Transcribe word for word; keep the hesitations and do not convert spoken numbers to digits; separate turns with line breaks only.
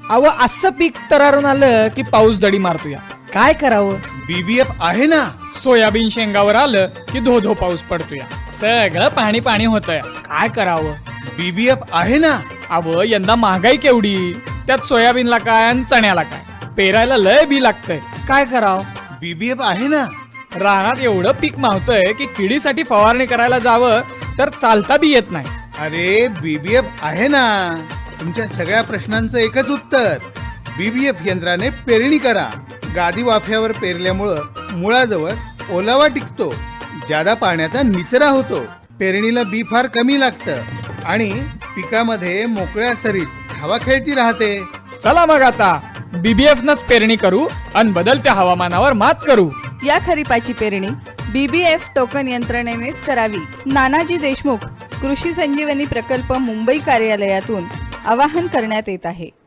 अव असं पीक तरारून आलं की पाऊस दडी मारतोया. काय करावं?
बीबीएफ आहे ना.
सोयाबीन शेंगावर आलं की धो धो पाऊस पडतोया. सगळं पाणी पाणी होतंय. काय करावं?
बीबीएफ आहे ना.
अव यंदा महागाई केवढी, त्यात सोयाबीनला काय आणि चण्याला काय, पेरायला लय बी लागतंय. काय करावं?
बीबीएफ आहे ना.
रानात एवढं पीक मावतंय की किडीसाठी फवारणी करायला जावं तर चालता बी येत नाही.
अरे बीबीएफ आहे ना. तुमच्या सगळ्या प्रश्नांचं एकच उत्तर, बीबीएफ यंत्राने पेरणी करा. गादी वाफ्यावर पेरल्यामुळं मुळाजवळ ओलावा टिकतो, जादा पाण्याचा निचरा होतो, पेरणीला बी फार कमी लागतं आणि पिकामध्ये मोकळ्या सरीत हवा खेळती राहते.
चला मग आता बीबीएफ नच पेरणी करू आणि बदलत्या हवामानावर मात करू.
या खरीपाची पेरणी बीबीएफ टोकन यंत्रणेनेच करावी. नानाजी देशमुख कृषी संजीवनी प्रकल्प मुंबई कार्यालयातून आवाहन करण्यात येत आहे.